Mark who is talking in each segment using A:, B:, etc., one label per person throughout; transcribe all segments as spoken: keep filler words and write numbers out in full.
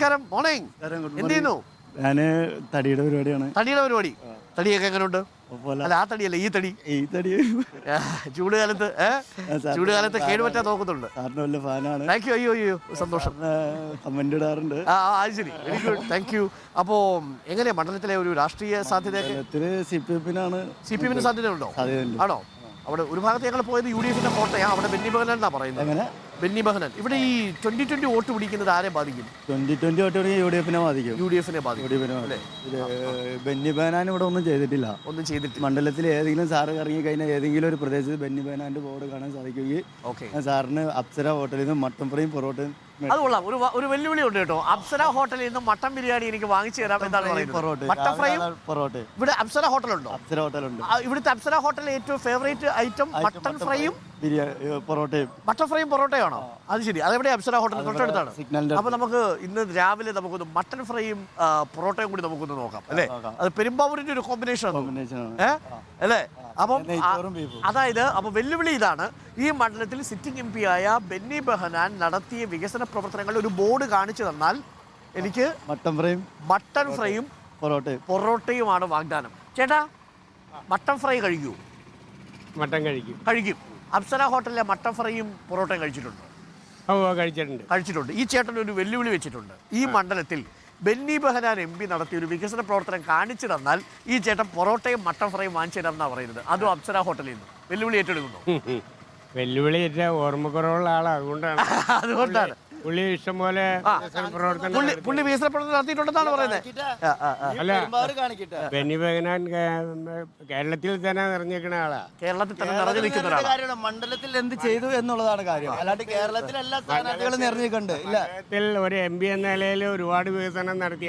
A: നമസ്കാരം. മോർണിംഗ്. എന്ത് ചെയ്യുന്നു?
B: ഞാൻ തടിയുടെ പരിപാടിയാണ്.
A: തടിയുടെ പരിപാടി. തടിയൊക്കെ എങ്ങനെയുണ്ട്? അല്ല, ആ തടിയല്ല, ഈ തടി.
B: ഈ തടി
A: ചൂട് കാലത്ത് ചൂട് കാലത്ത് കേടുപറ്റാൻ നോക്കുന്നുണ്ട്.
B: സാറിന് വലിയ ഫാനാണ്.
A: Thank you. അയ്യോ അയ്യോ സന്തോഷം.
B: കമന്റ് ഇടാറുണ്ട്.
A: ആ അത് ശരി, വെരി ഗുഡ്, താങ്ക് യു. അപ്പോ എങ്ങനെയാ മണ്ഡലത്തിലെ ഒരു രാഷ്ട്രീയ സാധ്യതയൊക്കെ?
B: സി പി എഫിനാണ്.
A: സി പി എമ്മിന് സാധ്യത ഉണ്ടോ?
B: സാധ്യതയുണ്ട്.
A: ആണോ? അവിടെ ഒരു ഭാഗത്ത് ഞങ്ങൾ പോയത് യു ഡി എഫിന്റെ കോട്ടയാണ്. അവിടെ ബെന്നി ബെഹനാൻ എന്നാ പറയുന്നത്. ബെന്നി ബെഹനാൻ. ഇവിടെ ഈ ട്വന്റി ട്വന്റി വോട്ട് പിടിക്കുന്നത് ആരെ ബാധിക്കും?
B: Twenty twenty vote U D എഫിനെ ബാധിക്കും.
A: യു ഡി എഫിനെ ബാധിക്കും.
B: ബെന്നി ബെഹനാൻ ഇവിടെ ഒന്നും ചെയ്തിട്ടില്ല.
A: ഒന്നും ചെയ്തിട്ടില്ല.
B: മണ്ഡലത്തിൽ ഏതെങ്കിലും സാറ് ഇറങ്ങി കഴിഞ്ഞാൽ ഏതെങ്കിലും ഒരു പ്രദേശത്ത് ബെന്നി ബെഹനാന്റെ ബോർഡ് കാണാൻ സാധിക്കുകയും സാറിന് അപ്സര ഹോട്ടലിൽ നിന്ന് മട്ടൻ ഫ്രൈയും പൊറോട്ടയും.
A: അത് കൊള്ളാം. ഒരു ഒരു വെല്ലുവിളി ഉണ്ട് കേട്ടോ. അപ്സര ഹോട്ടലിൽ നിന്ന് മട്ടൻ ബിരിയാണി എനിക്ക് വാങ്ങിച്ചു തരാം എന്നാണ് പറയുന്നത്. മട്ടൻ ഫ്രൈയും പൊറോട്ട. ഇവിടെ അപ്സര ഹോട്ടലുണ്ടോ? അപ്സര ഹോട്ടലുണ്ട്. ഇവിടുത്തെ അപ്സര ഹോട്ടലിലെ ഏറ്റവും ഫേവറേറ്റ് ഐറ്റം മട്ടൻ ഫ്രൈയും
B: പൊറോട്ടയും.
A: മട്ടൻ ഫ്രൈയും പൊറോട്ടയാണോ? അത് ശരി. അതെവിടെ? അപ്സര ഹോട്ടൽ തൊട്ടടുത്താണ്. അപ്പൊ നമുക്ക് ഇന്ന് രാവിലെ നമുക്കൊന്ന് മട്ടൻ ഫ്രൈയും പൊറോട്ടയും കൂടി നമുക്കൊന്ന് നോക്കാം അല്ലേ? അത് പെരുമ്പാവൂരിന്റെ ഒരു കോമ്പിനേഷൻ അല്ലേ? അപ്പം അതായത് അപ്പൊ വെല്ലുവിളി ഇതാണ്. ഈ മണ്ഡലത്തിൽ സിറ്റിംഗ് എം പി ആയ ബെന്നി ബെഹനാൻ നടത്തിയ വികസന പ്രവർത്തനങ്ങളുടെ ഒരു ബോർഡ് കാണിച്ചു തന്നാൽ എനിക്ക്
B: മട്ടൻ ഫ്രൈയും
A: മട്ടൻ ഫ്രൈയും
B: പൊറോട്ടയും
A: പൊറോട്ടയുമാണ് വാഗ്ദാനം. ചേട്ടാ, മട്ടൻ ഫ്രൈ കഴിക്കൂ?
C: മട്ടൻ കഴിക്കും.
A: കഴിക്കും. അപ്സര ഹോട്ടലിലെ മട്ടൻ ഫ്രൈയും പൊറോട്ടയും കഴിച്ചിട്ടുണ്ട്?
C: കഴിച്ചിട്ടുണ്ട്
A: കഴിച്ചിട്ടുണ്ട്. ഈ ചേട്ടൻ ഒരു വെല്ലുവിളി വെച്ചിട്ടുണ്ട്. ഈ മണ്ഡലത്തിൽ ബെന്നി ബെഹനാൻ എം പി നടത്തിയ ഒരു വികസന പ്രവർത്തനം കാണിച്ചു തന്നാൽ ഈ ചേട്ടൻ പൊറോട്ടയും മട്ടൻ ഫ്രൈയും വാങ്ങിച്ചു തരാമെന്നാണ് പറയുന്നത്. അതും അപ്സര ഹോട്ടലിൽ നിന്ന്. വെല്ലുവിളി ഏറ്റെടുക്കുന്നു.
C: വെല്ലുവിളി ഏറ്റ ഓർമ്മക്കുറവുള്ള ആളാണ്, അതുകൊണ്ടാണ്.
A: അതുകൊണ്ടാണ്
C: പുള്ളി ഇഷ്ടംപോലെ
A: പുള്ളി വികസന പ്രവർത്തനം നടത്തിയിട്ടുണ്ടെന്നാണ് പറയുന്നത്.
C: അല്ല, ബെന്നി ബെഹനാൻ കേരളത്തിൽ തന്നെ നിറഞ്ഞിരിക്കുന്ന ആളാ.
A: കേരളത്തിൽ തന്നെ നിറഞ്ഞു നിൽക്കുന്ന ഒരാളാണ്.
B: മണ്ഡലത്തിൽ എന്ത് ചെയ്തു എന്നുള്ളതാണ് കാര്യം. അല്ലാണ്ട് കേരളത്തിൽ എല്ലാ സ്ഥാനാർത്ഥികളും നിറഞ്ഞിട്ടുണ്ട്.
C: കേരളത്തിൽ ഒരു എം പി എന്ന നിലയിൽ ഒരുപാട് വികസനം നടത്തിയ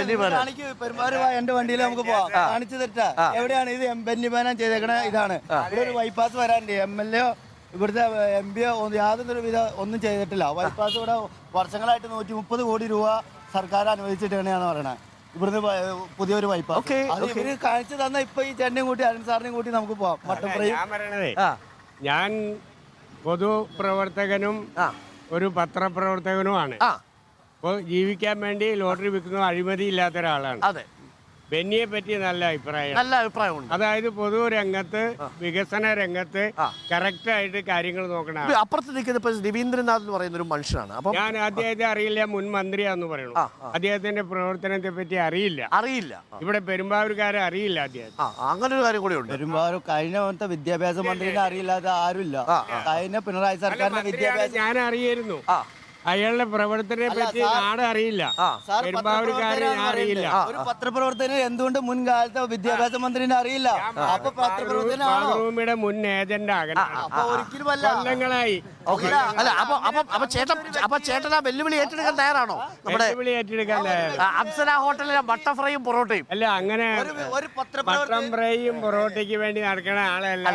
B: പെരുമാറുവാ എന്റെ വണ്ടിയിൽ നമുക്ക് പോവാം. കാണിച്ചു തരട്ടാ എവിടെയാണ് ഇത് ബെന്നി ബെഹനാൻ ചെയ്തേക്കണ? ഇതാണ്. ഇവിടെ ഒരു ബൈപ്പാസ് വരാനുണ്ട്. എം എൽ എ ഇവിടുത്തെ എം പി യാതൊരു വിധ ഒന്നും ചെയ്തിട്ടില്ല. ബൈപ്പാസ് ഇവിടെ വർഷങ്ങളായിട്ട് നൂറ്റി മുപ്പത് കോടി രൂപ സർക്കാർ അനുവദിച്ചിട്ടാണ് പറയണത്. ഇവിടുന്ന് പുതിയൊരു ബൈപ്പാസ് അത് ഇവര് കാണിച്ചു തന്ന ഇപ്പൊ ഈ ചേട്ടനെയും കൂട്ടി അരുൺ സാറിനെയും കൂട്ടി നമുക്ക് പോവാം. Mutton fry.
C: ഞാൻ പറയണതേ, ഞാൻ പൊതുപ്രവർത്തകനും ഒരു പത്രപ്രവർത്തകനുമാണ്. അപ്പോൾ ജീവിക്കാൻ വേണ്ടി ലോട്ടറി വിൽക്കുന്ന അഴിമതി ഇല്ലാത്ത ഒരാളാണ്.
A: അതെ.
C: ബെന്നിയെ പറ്റി നല്ല അഭിപ്രായം.
A: നല്ല അഭിപ്രായമുണ്ട്.
C: അതായത് പൊതു രംഗത്ത്, വികസന രംഗത്ത് കറക്റ്റ് ആയിട്ട് കാര്യങ്ങൾ നോക്കണം.
A: അപ്പുറത്ത് നിൽക്കുന്ന രവീന്ദ്രനാഥ് എന്ന് പറയുന്ന ഒരു മനുഷ്യനാണ്. അപ്പൊ
C: ഞാൻ അദ്ദേഹത്തെ അറിയില്ല, മുൻ മന്ത്രിയാന്ന് പറയുന്നു. അദ്ദേഹത്തിന്റെ പ്രവർത്തനത്തെ പറ്റി അറിയില്ല
A: അറിയില്ല
C: ഇവിടെ പെരുമ്പാവൂർക്കാരെ അറിയില്ല അദ്ദേഹം.
A: അങ്ങനെ ഒരു കാര്യം കൂടി ഉണ്ട്.
B: പെരുമ്പാവൂർ കഴിഞ്ഞ വിദ്യാഭ്യാസ മന്ത്രിനെ അറിയില്ലാതെ ആരുമില്ല. കഴിഞ്ഞ പിണറായി സർക്കാരിന്റെ വിദ്യാഭ്യാസം
C: ഞാൻ അറിയായിരുന്നു. അയാളുടെ പ്രവർത്തനത്തെ പറ്റി നാട് അറിയില്ല, പെരുമ്പാവൂർക്കാരെ അറിയില്ല.
B: ഒരു പത്രപ്രവർത്തകന് എന്തുകൊണ്ട് മുൻകാലത്തെ വിദ്യാഭ്യാസ മന്ത്രിനെ അറിയില്ല? അപ്പൊ
C: പത്രപ്രവർത്തനയുടെ മുൻ ഏജന്റ് കൊല്ലങ്ങളായി.
A: അല്ല അപ്പൊ അപ്പൊ അപ്പൊ ചേട്ടൻ അപ്പൊ ചേട്ടൻ ആ വെല്ലുവിളി ഏറ്റെടുക്കാൻ തയ്യാറാണോ? നമ്മുടെ
C: വെല്ലുവിളി ഏറ്റെടുക്കാൻ
A: അപ്സര ഹോട്ടലിലെ മട്ടൻ ഫ്രൈയും പൊറോട്ടയും.
C: അല്ല, അങ്ങനെ മട്ടൻ ഫ്രൈയും പൊറോട്ടയ്ക്ക് വേണ്ടി നടക്കണ ആളല്ല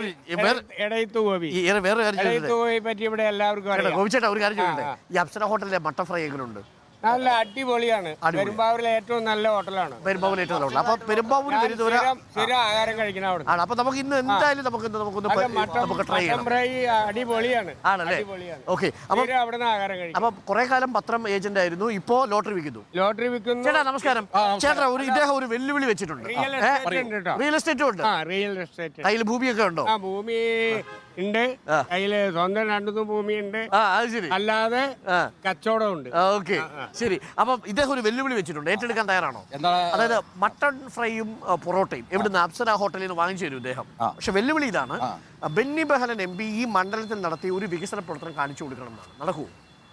C: ഇടയത്ത് ഗോപി.
A: വേറെ കാര്യം
C: ഗോപിയെ പറ്റി ഇവിടെ എല്ലാവർക്കും അറിയാം.
A: ഗോപിച്ചേട്ടാ, ഒരു കാര്യം ചോദിക്കട്ടെ, ഈ അപ്സര ഹോട്ടലിലെ മട്ടൻ ഫ്രൈ എങ്ങനെയുണ്ട്?
C: നല്ല അടിപൊളിയാണ്. പെരുമ്പാവൂരിലെ ഏറ്റവും നല്ല ഹോട്ടലാണ്.
A: പെരുമ്പാവൂരിലെ ഏറ്റവും നല്ല ഹോട്ടൽ. അപ്പൊ പെരുമ്പാവൂരിൽ
C: സ്ഥിരം ആഹാരം കഴിക്കണം അവിടെ.
A: അപ്പൊ നമുക്ക് ഇന്ന് എന്തായാലും നമുക്ക് നമുക്കൊന്ന് നമുക്ക് ട്രൈ ചെയ്യാം.
C: ഫ്രൈ അടിപൊളിയാണ്.
A: ആണല്ലേ? ഓക്കെ. അപ്പൊ
C: അവിടെ നിന്ന് ആഹാരം കഴിക്കും.
A: അപ്പൊ കുറെ കാലം പത്രം ഏജന്റ് ആയിരുന്നു, ഇപ്പോ ലോട്ടറി വിൽക്കുന്നു.
C: ലോട്ടറി വിൽക്കുന്നു.
A: ചേട്ടാ നമസ്കാരം. ചേട്ടാ, ഒരു ഇദ്ദേഹം ഒരു വെല്ലുവിളി വെച്ചിട്ടുണ്ട്. റിയൽ എസ്റ്റേറ്റും ഉണ്ട്.
C: Real estate.
A: കയ്യിൽ ഭൂമിയൊക്കെ ഉണ്ടോ?
C: ആ, ഭൂമി ഉണ്ട്. കയ്യില് സ്വന്തം രണ്ടു ഭൂമി ഉണ്ട്.
A: ശരി.
C: അല്ലാതെ കച്ചവടം ഉണ്ട്.
A: ഓക്കെ, ശരി. അപ്പൊ ഇദ്ദേഹം ഒരു വെല്ലുവിളി വെച്ചിട്ടുണ്ട്. ഏറ്റെടുക്കാൻ തയ്യാറാണോ? അതായത് മട്ടൺ ഫ്രൈയും പൊറോട്ടയും എവിടുന്ന്? അപ്സര ഹോട്ടലിൽ നിന്ന് വാങ്ങിച്ചു തരും ഇദ്ദേഹം. പക്ഷെ വെല്ലുവിളി ഇതാണ്, ബെന്നി ബെഹനാൻ എം പി ഈ മണ്ഡലത്തിൽ നടത്തി ഒരു വികസന പ്രവർത്തനം കാണിച്ചു കൊടുക്കണം എന്നാണ്. നടക്കൂ?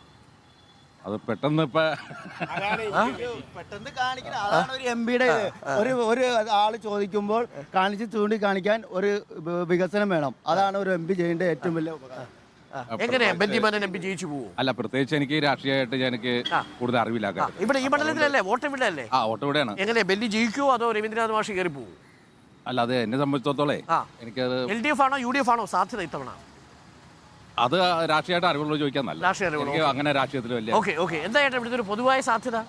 D: അത് പെട്ടെന്ന്
B: പെട്ടെന്ന് കാണിക്കണം. അതാണ് ഒരു എം പിയുടെ ഒരു ഒരു ആള് ചോദിക്കുമ്പോൾ കാണിച്ച് ചൂണ്ടി കാണിക്കാൻ ഒരു വികസനം വേണം. അതാണ് ഒരു എം പി ചെയ്യേണ്ട ഏറ്റവും വലിയ ഉപകാരം.
A: എങ്ങനെയാ ബെന്നി ബെഹനാൻ എം പി ജയിച്ചു പോകും?
D: അല്ല, പ്രത്യേകിച്ച് എനിക്ക് രാഷ്ട്രീയമായിട്ട് എനിക്ക് കൂടുതൽ അറിവില്ല.
A: ഇവിടെ ഈ മണ്ഡലത്തിലല്ലേ വോട്ട്? ഇവിടെ അല്ലേ?
D: ആ, വോട്ട് ഇവിടെയാണ്.
A: എങ്ങനെയാ, ബെന്നി ജയിക്കുമോ അതോ രവീന്ദ്രനാഥ് മാഷ് കയറി പോകും?
D: അല്ല, അത് എന്നെ സംബന്ധിച്ചിടത്തോളേ എനിക്കത്
A: എൽ ഡി എഫ് ആണോ യു ഡി എഫ് ആണോ സാധ്യത ഇത്തവണ?
D: അത് രാഷ്ട്രീയമായിട്ട് അറിവുള്ള ചോദിക്കാൻ നല്ല.
A: രാഷ്ട്രീയ
D: അങ്ങനെ രാഷ്ട്രീയത്തിൽ വലിയ
A: ഓക്കെ ഓക്കെ എന്താ ചേട്ടാ ഇവിടുത്തെ ഒരു പൊതുവായ സാധ്യത?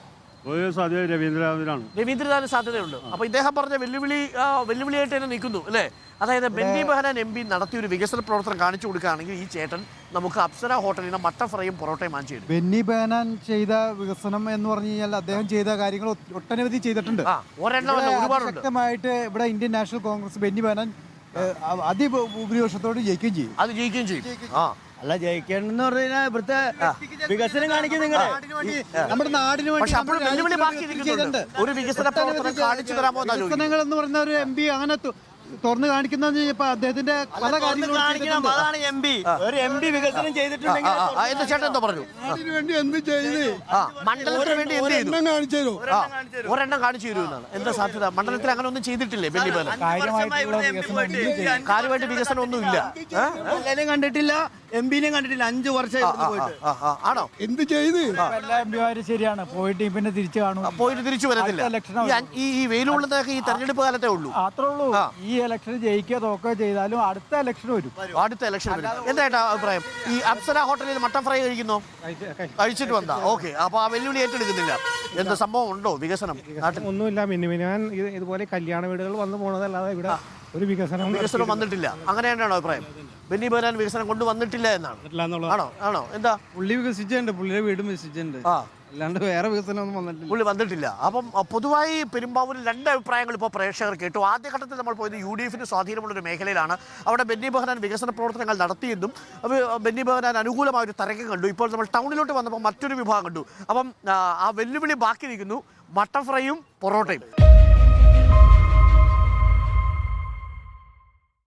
E: സാധ്യത രവീന്ദ്രനാഥിനാണ്.
A: രവീന്ദ്രനാഥിന് സാധ്യതയുണ്ട്. അപ്പൊ ഇദ്ദേഹം പറഞ്ഞ വെല്ലുവിളി ആ, വെല്ലുവിളിയായിട്ട് തന്നെ നിൽക്കുന്നു അല്ലേ? അതായത് ബെന്നി ബെഹനാൻ എം പി നടത്തിയ ഒരു വികസന പ്രവർത്തനം കാണിച്ചു കൊടുക്കുകയാണെങ്കിൽ ഈ ചേട്ടൻ നമുക്ക് അപ്സര ഹോട്ടലിൽ നിന്ന് മട്ടൻ ഫ്രൈയും പൊറോട്ടയും വാങ്ങിച്ചു തരും.
F: ബെന്നി ബെഹനാൻ ചെയ്ത വികസനം എന്ന് പറഞ്ഞു കഴിഞ്ഞാൽ അദ്ദേഹം ചെയ്ത കാര്യങ്ങൾ ഒ- ഒട്ടനവധി ചെയ്തിട്ടുണ്ട്.
A: ആ ഒരെണ്ണമല്ല, ഒരുപാടുണ്ട്.
F: ശക്തമായിട്ട് ഇവിടെ Indian National Congress Benny Behanan അതിഭൂരിപക്ഷത്തോട് ജയിക്കുകയും ചെയ്യും.
A: അത് ജയിക്കുകയും ചെയ്യും. ആ
B: അല്ല ജയിക്കണമെന്ന് പറഞ്ഞു കഴിഞ്ഞാൽ ഇവിടുത്തെ വികസനം കാണിക്കും നിങ്ങള്.
F: നമ്മുടെ നാടിന് വേണ്ടി
A: പക്ഷെ അപ്പോഴും
F: നമ്മുടെ
A: വെല്ലുവിളി ബാക്കി
F: രാജ്യത്തിന്
A: ഇരിക്കുന്നുണ്ട്.
F: ചെയ്തിട്ടുണ്ട്.
A: ഒരു വികസന പ്രവർത്തനം കാണിച്ചു തരാമോ എന്നാ ചോദിക്കുന്നത്.
F: വികസനങ്ങൾ എന്ന് പറയുന്ന ഒരു എം പി അങ്ങനെ തു- തുറന്നു കാണിക്കുന്ന ഇപ്പൊ അദ്ദേഹത്തിന്റെ പല കാര്യങ്ങളും
B: കാണിക്കണം, അതാണ് എം പി. ഒരു എം പി വികസനം ചെയ്തിട്ടുണ്ടെങ്കിൽ
A: ആ, ആ, എന്താ ചേട്ടൻ എന്താ പറഞ്ഞു?
F: വേണ്ടി എന്ത് ചെയ്ത്
A: ആ മണ്ഡലത്തിന് വേണ്ടി എന്ത് ചെയ്തു?
F: കാണിച്ചു തരും.
A: ആ, ഒരെണ്ണം കാണിച്ചു തരുമെന്നാണ്. എന്താ സാധ്യത? മണ്ഡലത്തിൽ അങ്ങനെ ഒന്നും ചെയ്തിട്ടില്ലേ ബെന്നി ബെഹനാൻ? കാര്യമായിട്ട് വികസനം ഒന്നും ഇല്ല.
B: എല്ലാരും കണ്ടിട്ടില്ല, എം പിനെയും കണ്ടിട്ടില്ല. അഞ്ചു വർഷം ഇവിടുന്ന് പോയിട്ട്.
A: ആ, ആ, ആണോ?
F: എന്ത് ചെയ്ത് എല്ലാ എം പിമാരും ശരിയാണ് പോയിട്ട് പിന്നെ തിരിച്ചു കാണും.
A: പോയിട്ട് തിരിച്ചു വരത്തില്ല.
F: അടുത്ത election
A: ഈ അൻ- ഈ ഈ വെയിലുള്ളതൊക്കെ ഈ തെരഞ്ഞെടുപ്പ് കാലത്തേ ഉള്ളൂ.
F: അത്രേ ഉള്ളൂ. ഈ ഇലക്ഷൻ ജയിക്കുക തോക്കുകയോ ചെയ്താലും അടുത്ത ഇലക്ഷൻ വരും.
A: അടുത്ത ഇലക്ഷൻ വരും. എന്താ അഭിപ്രായം? ഈ അപ്സര ഹോട്ടലിൽ മട്ടൻ ഫ്രൈ കഴിക്കുന്നോ? കഴിച്ചിട്ട് വന്നാ ഓക്കെ. അപ്പൊ ആ വെല്ലുവിളി ഏറ്റെടുക്കുന്നില്ല. എന്ത് സംഭവം ഉണ്ടോ വികസനം നാട്ടിൽ?
G: ഒന്നുമില്ല. മിനിമിനാൻ ഇതുപോലെ കല്യാണ വീടുകൾ വന്നു പോണതല്ലാതെ ഇവിടെ ഒരു വികസനം
A: വികസനം വന്നിട്ടില്ല. അങ്ങനെ തന്നെയാണോ അഭിപ്രായം? ബെന്നി ബെഹനാൻ വികസനം കൊണ്ടുവന്നിട്ടില്ല എന്നാണ്. ആണോ ആണോ എന്താ?
F: പുള്ളി വികസിച്ചിട്ടുണ്ട്, പുള്ളിയുടെ വീടും വികസിച്ചിട്ടുണ്ട്.
A: ആ
F: അല്ലാണ്ട് വേറെ വികസനം ഒന്നും വന്നിട്ടില്ല.
A: പുള്ളി വന്നിട്ടില്ല. അപ്പം അഹ് പൊതുവായി പെരുമ്പാവൂരിൽ രണ്ട് അഭിപ്രായങ്ങൾ ഇപ്പോൾ പ്രേക്ഷകർ കേട്ടു. ആദ്യഘട്ടത്തിൽ നമ്മൾ പോയത് യു ഡി എഫിന് സ്വാധീനമുള്ള ഒരു മേഖലയിലാണ്. അവിടെ ബെന്നി ബെഹനാൻ വികസന പ്രവർത്തനങ്ങൾ നടത്തിയെന്നും അത് ബെന്നി ബെഹനാൻ അനുകൂലമായ ഒരു തരംഗം കണ്ടു. ഇപ്പോൾ നമ്മൾ ടൗണിലോട്ട് വന്നപ്പോൾ മറ്റൊരു വിഭാഗം കണ്ടു. അപ്പം ആ, ആ വെല്ലുവിളി ബാക്കി നിൽക്കുന്നു, മട്ടൻ ഫ്രൈയും പൊറോട്ടയും.